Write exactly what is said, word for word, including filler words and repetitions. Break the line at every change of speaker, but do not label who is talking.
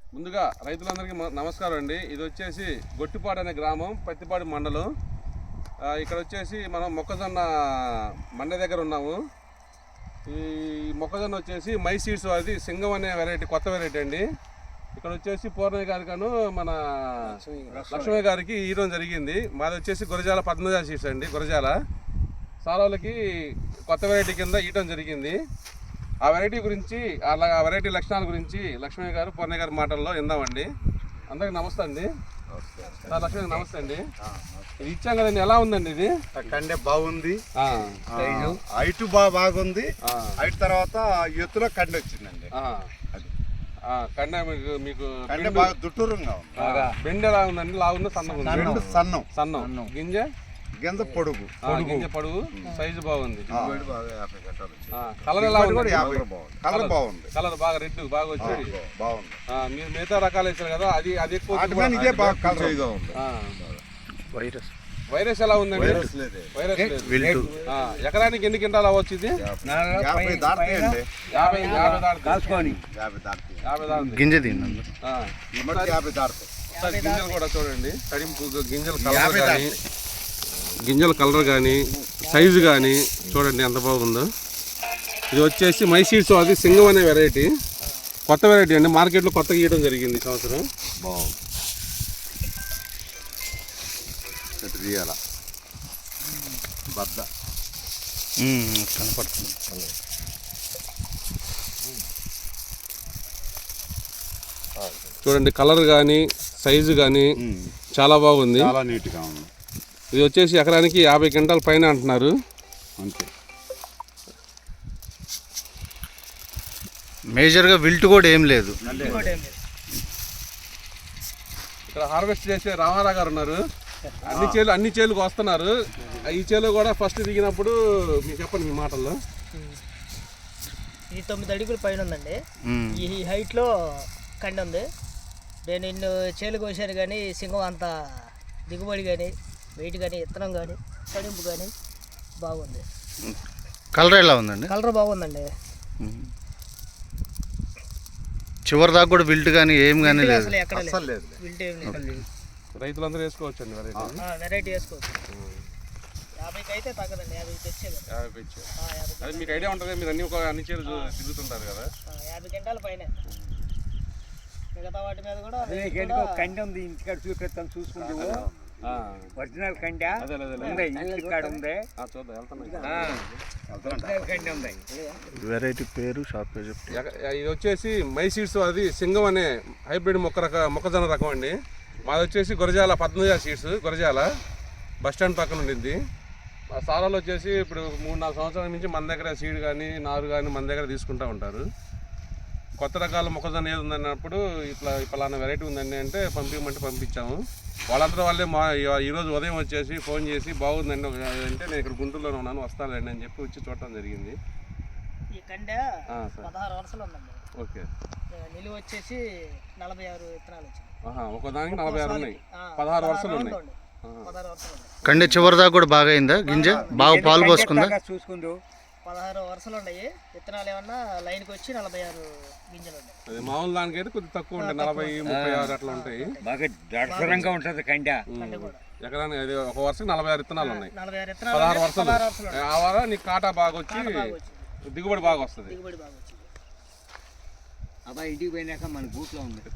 ముందుగా రైతులందరికీ నమస్కారం అండి. ఇది వచ్చేసి గొట్టిపాడు అనే గ్రామం, పత్తిపాడు మండలం. ఇక్కడ వచ్చేసి మనం మొక్కజొన్న మండ దగ్గర ఉన్నాము. ఈ మొక్కజొన్న వచ్చేసి మై సీడ్స్ అది సింగం అనే వెరైటీ, కొత్త వెరైటీ అండి. ఇక్కడ వచ్చేసి పూర్ణయ్య గారికను మన లక్ష్మయ్య గారికి ఈరోజు జరిగింది. మాది వచ్చేసి గురజాల పద్మజా సీడ్స్ అండి. గురజాల సారాలకి కొత్త వెరైటీ కింద ఇయటం జరిగింది. ఆ వెరైటీ గురించి, అలా ఆ వెరైటీ లక్షణాల గురించి లక్ష్మయ్య గారు పూర్ణయ్య గారి మాటల్లో విందామండి. అందరికి నమస్తే అండి. లక్ష్మయ్య నమస్తే అండి. ఇది ఇచ్చాం కదండి, ఎలా ఉందండి ఇది?
కండే బాగుంది, హైట్ బాగా బాగుంది. హైట్ తర్వాత ఎత్తులో కండి వచ్చిందండి.
కండ మీకు మీకు
కండే బాగా దుట్టూరంగా ఉంది.
బెండ్ ఎలా ఉందండి? లావుందా సన్నం?
సన్నం
సన్నం. గింజ
గింజ పొడుగు,
గింజ పొడుగు, సైజు బాగుంది.
కలర్ ఎలా ఉంది? కలర్ బాగుంది.
కలర్ బాగా రెడ్ బాగా వచ్చి
బాగుంది.
మీరు మిగతా రకాలు వేసారు కదా, అది అది ఎక్కువ.
వైరస్
వైరస్ ఎలా ఉందండి? వైరస్ లేదు. ఎకరానికి ఎన్ని క్వింటాలు అవ్వచ్చు ఇది?
యాభై దాటుతాయండి.
యాభై యాభై
గింజ తిన్నాం
యాభై దాటుతాయి.
గింజలు కూడా చూడండి, తడింపు గింజల కలర్ కానీ, గింజల కలర్ కానీ, సైజు కానీ చూడండి ఎంత బాగుందో. ఇది వచ్చేసి మై సీడ్స్, అది సింగం అనే వెరైటీ, కొత్త వెరైటీ అండి. మార్కెట్లో కొత్తగా గీయడం జరిగింది ఈ సంవత్సరం.
బాగుంది. బద్ద
కనపడుతుంది.
చూడండి కలర్ కానీ, సైజు కానీ చాలా బాగుంది,
చాలా నీట్గా ఉంది.
ఇది వచ్చేసి ఎకరానికి యాభై క్వింటాల పైన అంటున్నారు.
అంతే.
మేజర్గా విల్ట్ కూడా ఏం లేదు.
ఇక్కడ హార్వెస్ట్ చేసే రామారావు గారు ఉన్నారు. అన్ని చేలు అన్ని చేలుకు వస్తున్నారు. ఈ చేలు కూడా ఫస్ట్ దిగినప్పుడు మీకు చెప్పండి మీ మాటల్లో.
ఇది తొమ్మిది అడుగుల పైన ఉందండి. ఈ హైట్లో కండి ఉంది. నేను ఇన్ని చేలు కోసాను కానీ సింగం అంత దిగుబడి కానీ, వెయిట్ కానీ, ఇత్తనం కానీ, తడింపు కానీ బాగుంది.
కలర్ ఎలా ఉందండి?
కలర్ బాగుందండి.
చివరి దాకా కూడా విల్ట్ కానీ ఏం కానీ లేదు.
అసలు ఎక్కడ లేదు. విల్ట్ ఏం లేదు.
రైతులందరూ వేసుకోవచ్చు అండి వెరైటీ.
వెరైటీ వేసుకోవచ్చు. యాభైకి అయితే తగ్గదండి. యాభై తెచ్చేది.
యాభై అది మీకు ఐడియా ఉంటుంది. మీరు అన్ని ఒక అన్ని చేలు తిరుగుతుంటారు కదా.
యాభై గంటల పైన మిగతా వాటి మీద కూడా
కండి ఉంది. ఇంటికాడ చూపిస్తాను, చూసుకుంటూ ఒరిజినల్ కండి ఇంటికాడ ఉంది. కండి ఉంది.
వెరైటీ పేరు షాప్ పేరు.
ఇది వచ్చేసి మై సీడ్స్, అది సింగం అనే హైబ్రిడ్ మొక్క రక మొక్కజొన్న రకం అండి. మాది వచ్చేసి Gurazala Padmaja seeds, Gurazala bus stand పక్కన ఉండింది. మా సారాలు వచ్చేసి ఇప్పుడు మూడు నాలుగు సంవత్సరాల నుంచి మన దగ్గర సీడ్ కానీ, నారు కానీ మన దగ్గర తీసుకుంటూ ఉంటారు. కొత్త రకాల మొక్కజొన్న ఏది ఉందన్నప్పుడు ఇట్లా పలానా వెరైటీ ఉందండి అంటే పంపించమంటే పంపించాము. వాళ్ళంతా వాళ్ళే మా ఈరోజు ఉదయం వచ్చేసి ఫోన్ చేసి బాగుందండి అంటే నేను ఇక్కడ గుంటూరులోనే ఉన్నాను, వస్తానండి అని చెప్పి వచ్చి చూడటం జరిగింది.
ఈ కండ పదహారు వరుసలు ఉందండి.
ఓకే.
నిలువ వచ్చేసి నలభై ఆరు విత్తనాలు వచ్చింది.
ఒక దానికి నలభై ఆరు ఉన్నాయి, పదహారు వరుసలు ఉన్నాయి.
పదహారు వరుసలు ఉన్నాయి.
కండి చివరి దాకా కూడా బాగా అయిందా? గింజ బాగా పాలు పోసుకుందా?
చూసుకుంటూ
పదహారు వరుసలు ఉన్నాయి. విత్తనాలు ఏమన్నా లైన్కి వచ్చి నలభై ఆరు గింజలు ఉన్నాయి.
అది మామూలు దానికైతే కొద్దిగా తక్కువ ఉంటాయి, నలభై ముప్పై ఆరు అట్లా ఉంటాయి.
బాగా దర్శనంగా ఉంటుంది కండ.
ఎకరానికి అది ఒక వరుసకి నలభై ఆరు విత్తనాలు ఉన్నాయి,
నలభై ఆరు విత్తనాలు,
పదహారు వరుసలు. ఆ వార నీకు కాటా బాగా వచ్చి దిగుబడి బాగా వస్తుంది.
దిగుబడి బాగా వచ్చింది.
అబ్బాయి ఇంటికి పోయినాక మన బూట్లో ఉంది.